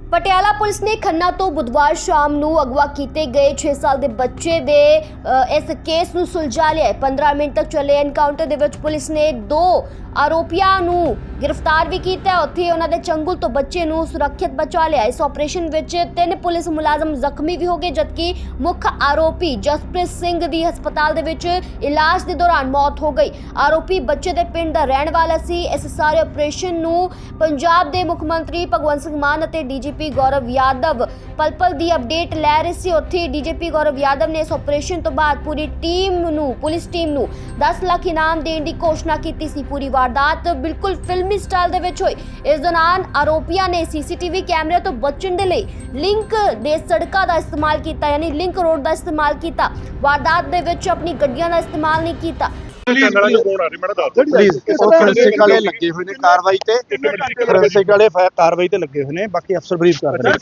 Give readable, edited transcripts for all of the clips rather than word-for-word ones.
Patiala police ਨੇ ਖੰਨਾ ਤੋਂ ਬੁੱਧਵਾਰ ਸ਼ਾਮ ਨੂੰ ਅਗਵਾ ਕੀਤੇ ਗਏ 6 ਸਾਲ ਦੇ ਬੱਚੇ ਦੇ ਇਸ ਕੇਸ ਨੂੰ ਸੁਲਝਾ ਲਿਆ। 15 ਮਿੰਟ ਤੱਕ ਚੱਲੇ ਐਨਕਾਊਂਟਰ ਦੇ ਵਿੱਚ ਪੁਲਿਸ ਨੇ 2 ਆਰੋਪੀਆਂ ਨੂੰ ਗ੍ਰਿਫਤਾਰ ਵੀ ਕੀਤਾ। ਉੱਥੇ ਉਹਨਾਂ ਦੇ ਚੰਗੁਲ ਤੋਂ ਬੱਚੇ ਨੂੰ ਸੁਰੱਖਿਅਤ ਬਚਾ ਲਿਆ। ਇਸ ਆਪਰੇਸ਼ਨ ਵਿੱਚ 3 ਪੁਲਿਸ ਮੁਲਾਜ਼ਮ ਜ਼ਖਮੀ ਵੀ ਹੋ ਗਏ, ਜਦਕਿ ਮੁੱਖ ਆਰੋਪੀ ਜਸਪ੍ਰੀਤ ਸਿੰਘ ਦੀ ਹਸਪਤਾਲ ਦੇ ਵਿੱਚ ਇਲਾਜ ਦੇ ਦੌਰਾਨ ਮੌਤ ਹੋ ਗਈ। ਆਰੋਪੀ ਬੱਚੇ ਦੇ ਪਿੰਡ ਦਾ ਰਹਿਣ ਵਾਲਾ ਸੀ। ਇਸ ਸਾਰੇ ਆਪਰੇਸ਼ਨ ਨੂੰ ਪੰਜਾਬ ਦੇ ਮੁੱਖ ਮੰਤਰੀ ਭਗਵੰਤ ਸਿੰਘ ਮਾਨ ਅਤੇ ਡੀਜੀਪੀ ਗੌਰਵ ਯਾਦਵ ਪਲ-ਪਲ ਦੀ ਅਪਡੇਟ ਲੈ ਰਹੇ ਸੀ। ਉੱਥੇ ਡੀਜੀਪੀ ਗੌਰਵ ਯਾਦਵ ਨੇ ਇਸ ਆਪਰੇਸ਼ਨ ਤੋਂ ਬਾਅਦ ਪੂਰੀ ਪੁਲਿਸ ਟੀਮ ਨੂੰ 10 ਲੱਖ ਇਨਾਮ ਦੇਣ ਦੀ ਘੋਸ਼ਣਾ ਕੀਤੀ ਸੀ। ਪੂਰੀ ਵਾਰਦਾਤ ਬਿਲਕੁਲ ਫਿਲਮੀ ਸਟਾਈਲ ਦੇ ਵਿੱਚ ਹੋਈ। ਇਸ ਦੌਰਾਨ ਆਰੋਪੀਆਂ ਨੇ ਸੀਸੀਟੀਵੀ ਕੈਮਰੇ ਤੋਂ ਬਚਣ ਦੇ ਲਈ ਲਿੰਕ ਦੇ ਸੜਕਾਂ ਦਾ ਇਸਤੇਮਾਲ ਕੀਤਾ, ਯਾਨੀ ਲਿੰਕ ਰੋਡ ਦਾ ਇਸਤੇਮਾਲ ਕੀਤਾ। ਵਾਰਦਾਤ ਦੇ ਵਿੱਚ ਆਪਣੀ ਗੱਡੀਆਂ ਦਾ ਇਸਤੇਮਾਲ ਨਹੀਂ ਕੀਤਾ। ਫੋਰੈਂਸਿਕ ਵਾਲੇ ਲੱਗੇ ਹੋਏ ਨੇ ਕਾਰਵਾਈ ਤੇ, ਫੋਰੈਂਸਿਕ ਵਾਲੇ ਕਾਰਵਾਈ ਤੇ ਲੱਗੇ ਹੋਏ ਨੇ, ਬਾਕੀ ਅਫਸਰ ਬਰੀਫ ਕਰ ਰਹੇ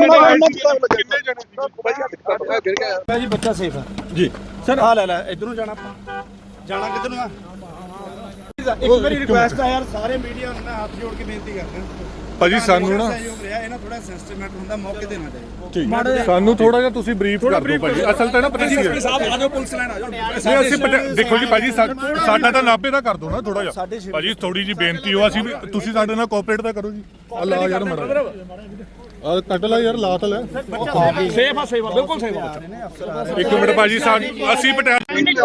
ਨੇ। ਜੀ ਬੱਚਾ ਸੇਫ ਹੈ ਜੀ ਸਰ। ਆ ਲੈ ਇਧਰੋਂ ਜਾਣਾ, ਆਪਾਂ ਜਾਣਾ ਕਿੱਧਰ ਨੂੰ ਆ? ਇੱਕ ਮੇਰੀ ਰਿਕੁਐਸਟ ਆ ਯਾਰ, ਸਾਰੇ ਮੀਡੀਆ ਨੂੰ ਹੱਥ ਜੋੜ ਕੇ ਬੇਨਤੀ ਕਰਦੇ ਹਾਂ ਭਾਜੀ, ਸਾਨੂੰ ਨਾ ਇਹਨਾਂ ਥੋੜਾ ਸੈਂਸਿਟਿਵ ਮੈਟਰ ਹੁੰਦਾ, ਮੌਕੇ ਦੇਣਾ ਚਾਹੀਦਾ। ਠੀਕ, ਸਾਨੂੰ ਥੋੜਾ ਜਿਹਾ ਤੁਸੀਂ ਬਰੀਫ ਕਰ ਦਿਓ ਭਾਜੀ। ਅਸਲ ਤਾਂ ਨਾ ਪਤਾ ਕੀ ਹੈ ਸਾਹਿਬ, ਆ ਜਾਓ ਪੁਲਿਸ ਲਾਈਨ ਆ ਜਾਓ। ਨਹੀਂ ਅਸੀਂ ਦੇਖੋ ਜੀ ਭਾਜੀ, ਸਾਡਾ ਤਾਂ ਨਾਭੇ ਦਾ ਕਰ ਦੋ ਨਾ ਥੋੜਾ ਜਿਹਾ ਭਾਜੀ। ਥੋੜੀ ਜੀ ਬੇਨਤੀ ਹੋ, ਅਸੀਂ ਵੀ ਤੁਸੀਂ ਸਾਡੇ ਨਾਲ ਕੋਆਪਰੇਟ ਤਾਂ ਕਰੋ ਜੀ। ਆ ਲਾ ਯਾਰ ਮੜਾ ਆ ਕੱਟ ਲੈ ਯਾਰ, ਲਾ ਤਾਂ ਲੈ। ਸੇਫ ਆ ਬਿਲਕੁਲ ਸੇਫ ਆ। ਇੱਕ ਮਿੰਟ ਭਾਜੀ, ਅਸੀਂ ਪਟਿਆਲਾ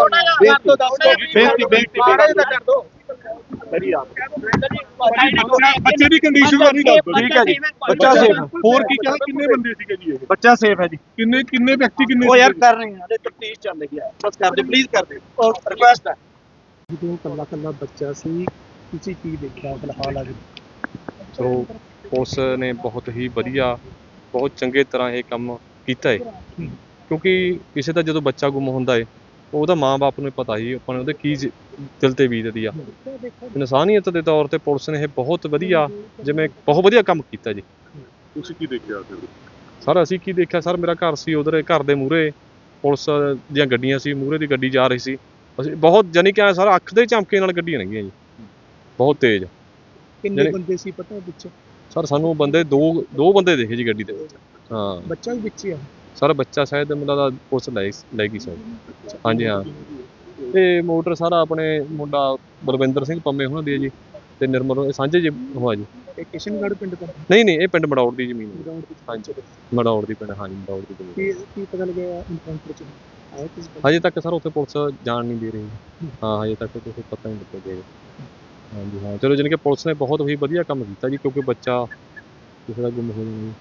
ਬੱਚੇ ਦੀ ਕੰਡੀਸ਼ਨ ਦਾ ਨਹੀਂ ਦੱਸ। ਠੀਕ ਹੈ ਜੀ, ਬੱਚਾ ਸੇਫ ਹੈ। ਹੋਰ ਕੀ ਕਿਹਾ, ਕਿੰਨੇ ਬੰਦੇ ਸੀਗੇ ਜੀ ਇਹ? ਬੱਚਾ ਸੇਫ ਹੈ ਜੀ। ਕਿੰਨੇ ਵਿਅਕਤੀ ਕਿੰਨੇ? ਉਹ ਯਾਰ ਕਰ ਰਹੇ ਹਾਂ, ਹਲੇ ਤਫਤੀਸ਼ ਚੱਲ ਰਹੀ ਹੈ, ਬਸ ਕਰ ਦੇ ਪਲੀਜ਼, ਕਰ ਦੇ, ਔਰ ਰਿਕੁਐਸਟ ਹੈ। ਜਦੋਂ ਕੱਲਾ ਬੱਚਾ ਸੀ, ਤੁਸੀਂ ਕੀ ਦੇਖਿਆ ਫਿਲਹਾਲ ਅੱਜ? ਸੋ ਪੁਲਿਸ ਨੇ ਬਹੁਤ ਹੀ ਵਧੀਆ, ਬਹੁਤ ਚੰਗੇ ਤਰ੍ਹਾਂ ਇਹ ਕੰਮ ਕੀਤਾ ਹੈ, ਕਿਉਂਕਿ ਕਿਸੇ ਦਾ ਜਦੋਂ ਬੱਚਾ ਗੁੰਮ ਹੁੰਦਾ ਹੈ ਉਹਦਾ ਮਾਂ-ਬਾਪ ਨੂੰ ਪਤਾ ਹੀ ਆਪਾਂ ਨੇ ਉਹਦੇ ਕੀ ਦਿਲ ਤੇ ਬੀਤਦੀ ਆ। ਇਨਸਾਨੀਅਤ ਦੇ ਤੌਰ ਤੇ ਪੁਲਿਸ ਨੇ ਇਹ ਬਹੁਤ ਵਧੀਆ ਕੰਮ ਕੀਤਾ ਜੀ। ਤੁਸੀਂ ਕੀ ਦੇਖਿਆ ਸਰ? ਅਸੀਂ ਕੀ ਦੇਖਿਆ ਸਰ, ਮੇਰਾ ਘਰ ਸੀ ਉਧਰ, ਘਰ ਦੇ ਮੂਹਰੇ ਪੁਲਿਸ ਦੀਆਂ ਗੱਡੀਆਂ ਸੀ, ਮੂਹਰੇ ਦੀ ਗੱਡੀ ਜਾ ਰਹੀ ਸੀ। ਅਸੀਂ ਬਹੁਤ ਜਾਨੀ ਕਿ ਸਰ ਅੱਖ ਦੇ ਝਮਕੇ ਨਾਲ ਗੱਡੀਆਂ ਲੰਘੀਆਂ ਜੀ, ਬਹੁਤ ਤੇਜ਼। ਕਿੰਨੇ ਬੰਦੇ ਸੀ ਪਤਾ ਵਿੱਚ? ਸਰ ਸਾਨੂੰ ਬੰਦੇ ਦੋ ਬੰਦੇ ਦੇਖੇ ਜੀ ਗੱਡੀ ਦੇ ਵਿੱਚ। ਹਾਂ, ਬੱਚਾ ਵੀ ਵਿੱਚ ਹੀ ਆ ਸਰ? ਬੱਚਾ ਸ਼ਾਇਦ ਮੁੰਡਾ ਦਾ ਪੁਲਿਸ ਲੈ ਗਈ ਸਰ। ਹਾਂਜੀ ਹਾਂ, ਤੇ ਮੋਟਰ ਸਾਰਾ ਆਪਣੇ ਮੁੰਡਾ ਬਲਵਿੰਦਰ ਸਿੰਘ ਪੰਮੇ ਹੋਣਾ ਦੀ ਹੈ ਜੀ, ਤੇ ਨਿਰਮਲ ਸਾਂਝੇ ਜੀ ਹੋਆ ਜੀ। ਇਹ ਕਿਸ਼ਨਗੜ੍ਹ ਪਿੰਡ ਦਾ? ਨਹੀਂ, ਇਹ ਪਿੰਡ ਮੜੌੜ ਦੀ ਜ਼ਮੀਨ ਹੈ। ਹਾਂਜੀ, ਮੜੌੜ ਦੀ ਪਿੰਡ। ਹਾਂਜੀ, ਮੜੌੜ ਦੀ ਜ਼ਮੀਨ। ਕੀ ਪਤਾ ਲੱਗਿਆ ਇਨਕਾਊਂਟਰ ਚ ਆਇਆ ਕਿਸ? ਹਜੇ ਤੱਕ ਸਰ ਉੱਥੇ ਪੁਲਿਸ ਜਾਣ ਨਹੀਂ ਦੇ ਰਹੀ। ਹਾਂ, ਹਜੇ ਤੱਕ ਕੁਝ ਪਤਾ ਨਹੀਂ ਲੱਗਿਆ ਜੀ। ਹਾਂਜੀ ਹਾਂ, ਚਲੋ ਜਾਣੀ ਕਿ ਪੁਲਿਸ ਨੇ ਬਹੁਤ ਹੀ ਵਧੀਆ ਕੰਮ ਕੀਤਾ ਜੀ, ਕਿਉਂਕਿ ਬੱਚਾ ਕਿਸੇ ਦਾ ਗੁੰਮ ਹੋ ਜਾਣਾ।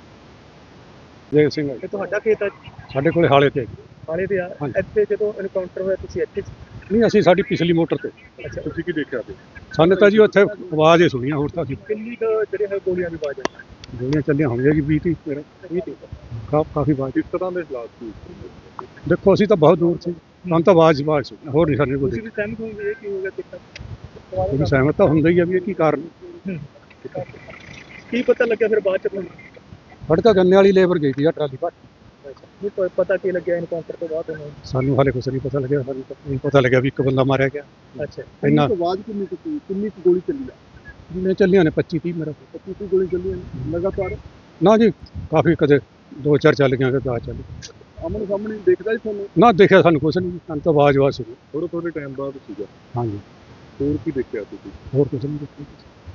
ਜੈ ਸਿੰਘ ਇਹ ਤੁਹਾਡਾ ਖੇਤ ਹੈ? ਸਾਡੇ ਕੋਲੇ ਹਾਲੇ ਤੇ ਆ। ਇੱਥੇ ਜਦੋਂ ਐਨਕਾਊਂਟਰ ਹੋਇਆ ਤੁਸੀਂ ਇੱਥੇ? ਨਹੀਂ, ਅਸੀਂ ਸਾਡੀ ਪਿਛਲੀ ਮੋਟਰ ਤੇ। ਅੱਛਾ, ਤੁਸੀਂ ਕੀ ਦੇਖਿਆ? ਸਾਨੂੰ ਤਾਂ ਜੀ ਉੱਥੇ ਆਵਾਜ਼ ਹੀ ਸੁਣੀਆਂ, ਹੋਰ ਤਾਂ ਅਸੀਂ ਕਿੰਨੀ ਜਿਹੜੇ ਹੈ ਗੋਲੀਆਂ ਦੀ ਆਵਾਜ਼ ਹੈ? ਗੋਲੀਆਂ ਚੱਲੀਆਂ ਹੋਣਗੀਆਂ ਜੀ 20-30 ਕਾਫੀ ਆਵਾਜ਼। ਕਿਸ ਤਰ੍ਹਾਂ ਦੇ ਹਾਲਾਤ ਸੀ? ਦੇਖੋ ਅਸੀਂ ਤਾਂ ਬਹੁਤ ਦੂਰ ਸੀ, ਸਾਨੂੰ ਤਾਂ ਆਵਾਜ਼ ਸੁਣੀ, ਹੋਰ ਨਹੀਂ ਸਾਡੇ ਕੋਲ। ਤੁਸੀਂ ਸਹਿਮਤ ਹੋਗੇ ਕੀ ਹੋ ਗਿਆ ਦਿੱਕਤ? ਤੁਸੀਂ ਸਹਿਮਤ ਤਾਂ ਹੁੰਦਾ ਹੀ ਆ ਵੀ ਇਹ ਕੀ ਕਾਰਨ। ਕੀ ਪਤਾ ਲੱਗਿਆ ਫਿਰ ਬਾਅਦ ਚ ਤੁਹਾਨੂੰ? ਸਾਡੇ ਤਾਂ ਗੰਨੇ ਵਾਲੀ ਲੇਬਰ ਗਈ ਸੀ ਆ ਟਰਾਲੀ ਭਰ। ਨਹੀਂ ਪਤਾ ਕੀ ਲੱਗਿਆ ਐਨਕਾਊਂਟਰ ਤੋਂ ਬਾਅਦ ਉਹਨੂੰ? ਸਾਨੂੰ ਹਾਲੇ ਕੁਛ ਨਹੀਂ ਪਤਾ ਲੱਗਿਆ। ਸਾਨੂੰ ਨਹੀਂ ਪਤਾ ਲੱਗਿਆ ਵੀ ਇੱਕ ਬੰਦਾ ਮਾਰਿਆ ਗਿਆ। ਅੱਛਾ, ਇੰਨਾ ਆਵਾਜ਼ ਕਿੰਨੀ ਗੋਲੀ ਚੱਲੀ ਆ? ਜਿੰਨੇ ਚੱਲੀਆਂ ਨੇ 25-30 ਮੇਰਾ 25 ਗੋਲੀ ਚੱਲੀਆਂ ਲਗਾਤਾਰ? ਨਾ ਜੀ, ਕਾਫੀ ਕਦੇ 2-4 ਚੱਲ ਗਈਆਂ, ਕਦੇ 10 ਚੱਲ ਗਈਆਂ। ਆਮਣੇ ਸਾਹਮਣੇ ਦੇਖਦਾ ਜੀ ਤੁਹਾਨੂੰ? ਨਾ ਦੇਖਿਆ ਸਾਨੂੰ ਕੁਛ ਨਹੀਂ, ਸਾਨੂੰ ਤਾਂ ਆਵਾਜ਼ ਸੁਣੀ। ਥੋੜੇ ਟਾਈਮ ਬਾਅਦ ਸੀਗਾ। ਹਾਂਜੀ, ਹੋਰ ਕੀ ਦੇਖਿਆ ਤੁਸੀਂ? ਹੋਰ ਕੁਛ ਨਹੀਂ ਦੇਖਿਆ।